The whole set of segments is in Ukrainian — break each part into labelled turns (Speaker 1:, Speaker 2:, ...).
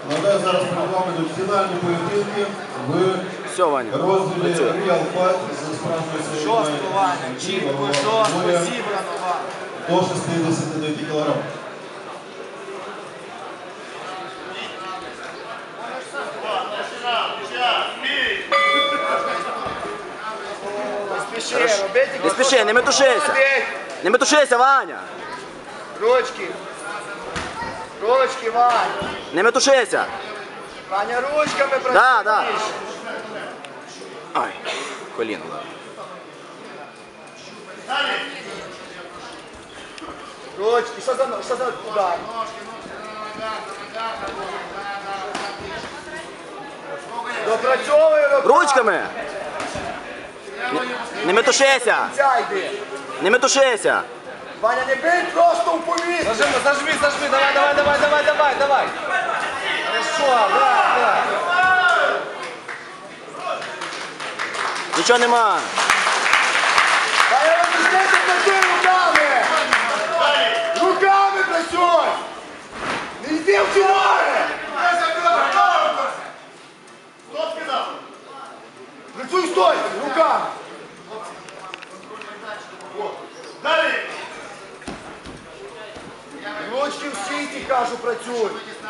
Speaker 1: Нагадаю, зараз перед вами йдуть фінальні поєдинки в розділі Real Fight за справжньою силою.
Speaker 2: Жорстко, Ваня, чітко, жорстко, зібрано, Ваня.
Speaker 1: До 69 кг.
Speaker 2: Не спіши, не метушися. Не метушися, Ваня. Ручки. Ручки, Ваня. Не метушися. Ваня, ручками працюєш. Да, да. Ай, коліно. Ручки, що за удар? Допрацьовує руками. Ручками. Не метушися. Не метушися. Ваня, не бий просто в повітря.
Speaker 3: Зажми, давай. Хорошо, да.
Speaker 2: Нічого нема.
Speaker 3: Ваня, розпочнеться, працюй руками. Руками працюй. Не йди в фіналі. Працюй стойко, руками. Ручки в сіті, кажу, працюй.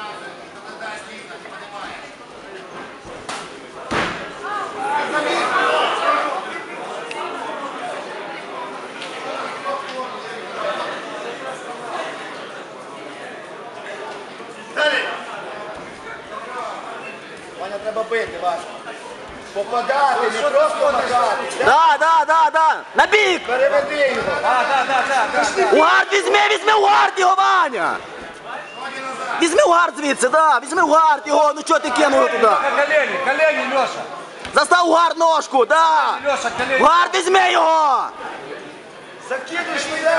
Speaker 3: Ваня, треба бити, Ваня. Попадати, не просто попадати.
Speaker 2: Да. На бік.
Speaker 3: Переведи його.
Speaker 2: У гард візьми у гард його, Ваня. Візьми у гард звідси, да. Візьми у гард його, ну чого ти кинув туди?
Speaker 3: Колені, Леша.
Speaker 2: Застав у гард ножку, да.
Speaker 3: Леша, колені.
Speaker 2: У гард візьми його.
Speaker 3: Закидуй швидше.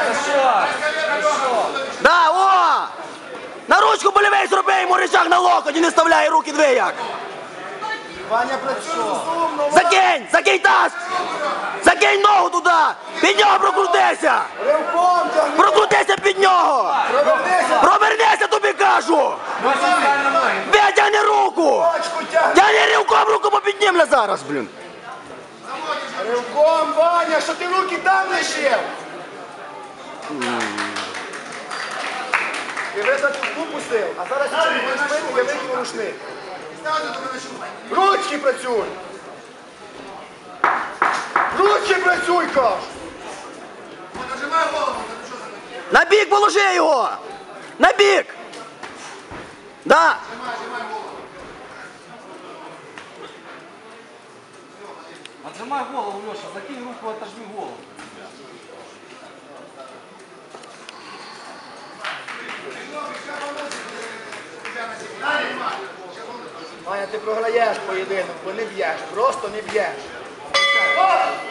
Speaker 2: Да, о. На ручку болівей зроби йому рычаг на локоть і не вставляй руки двояк.
Speaker 3: Ваня, працюй розумно.
Speaker 2: Закинь таз. Закинь ногу туди. Під нього прокрутися.
Speaker 3: Ривком тягни.
Speaker 2: Прокрутися під нього.
Speaker 3: Провернися.
Speaker 2: Провернися, тобі кажу. Витягни руку.
Speaker 3: Очку тягни.
Speaker 2: Тягни ривком, руку попіднімля зараз, блін.
Speaker 3: Ривком, Ваня, що ти руки там лишив? Ти висадку пустив, а зараз якщо не будеш бити, я викину рушник. Ручки працюй! Ручки працюй, кажу!
Speaker 2: На бік положи його. На бік. Да.
Speaker 3: Отжимай голову, Леша, закинь руку, отожми голову. Ваня, ти програєш поєдинок, бо не б'єш, просто не б'єш.